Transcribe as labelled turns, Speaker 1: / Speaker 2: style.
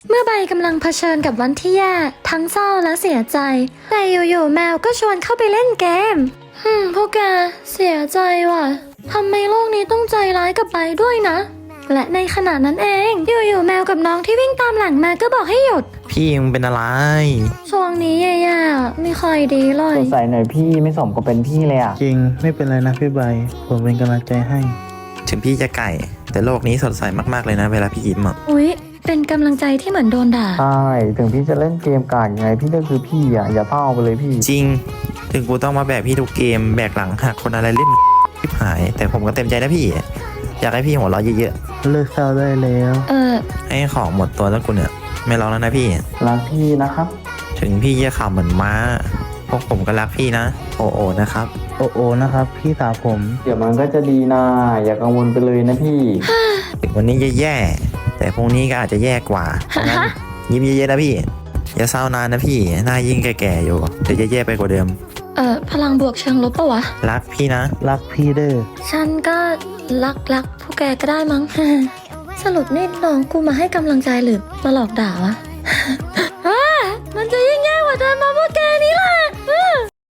Speaker 1: เมื่อใบกำลังเผชิญกับวันที่แย่ทั้งเศร้าและเสียใจแต่อยู่ๆแมวก็ชวนเข้าไปเล่นเกมพวกแกเสียใจว่ะทำไมโลกนี้ต้องใจร้ายกับใบด้วยนะและในขณะนั้นเองอยู่ๆแมวกับน้องที่วิ่งตามหลังมาก็บอกให้หยุด
Speaker 2: พี่มึงเป็นอะไร
Speaker 1: ช่วงนี้แย่ๆไม่ค่อยดีเลย
Speaker 3: สดใสหน่อยพี่ไม่สมกับเป็นพี่เลยอ่ะ
Speaker 4: จริงไม่เป็นไรนะพี่ใบผมเป็นกำลังใจให้
Speaker 2: ถึงพี่จะไก่แต่โลกนี้สดใสมากๆเลยนะเวลาพี่ยิ้มอ่ะ
Speaker 1: อุ๊ยเป็นกำลังใจที่เหมือนโดนด่า
Speaker 3: ใช่ถึงพี่จะเล่นเกมกากยังไงพี่ก็คือพี่อ่ะอย่าเศร้าไปเลยพี่
Speaker 2: จริงถึงกูต้องมาแบกพี่ทุกเกมแบกหลังหักคนอะไรเล่นชิบหายแต่ผมก็เต็มใจนะพี่อยากให้พี่หัวเราะเยอะ
Speaker 4: เลิกเศร้าได้แล้ว
Speaker 2: ให้ของหมดตัวแล้วกูเนี่ยไม่ร้องแล้วนะพี่
Speaker 3: รักพี่นะครับ
Speaker 2: ถึงพี่จะขับเหมือนม้าพวกผมก็รักพี่นะโอโอนะครับ
Speaker 4: โอโอนะครับพี่สาวผม
Speaker 3: เดี๋ยวมันก็จะดีนะอย่ากังวลไปเลยนะพี่
Speaker 2: ถึงวันนี้จะแย่แต่พรุ่งนี้ก็อาจจะแย่กว่าเพราะงั้นยิ้มเยอะๆนะพี่อย่าเศร้านานนะพี่หน้ายิ่งแก่ๆอยู่เดี๋ยวจะแย่ไปกว่าเดิม
Speaker 1: พลังบวกเชิงลบปะวะ
Speaker 2: รักพี่นะ
Speaker 4: รักพี่เด้อ
Speaker 1: ฉันก็รักพวกแกก็ได้มั้ง สรุปนี่น้องกูมาให้กำลังใจหรือมาหลอกด่าวะ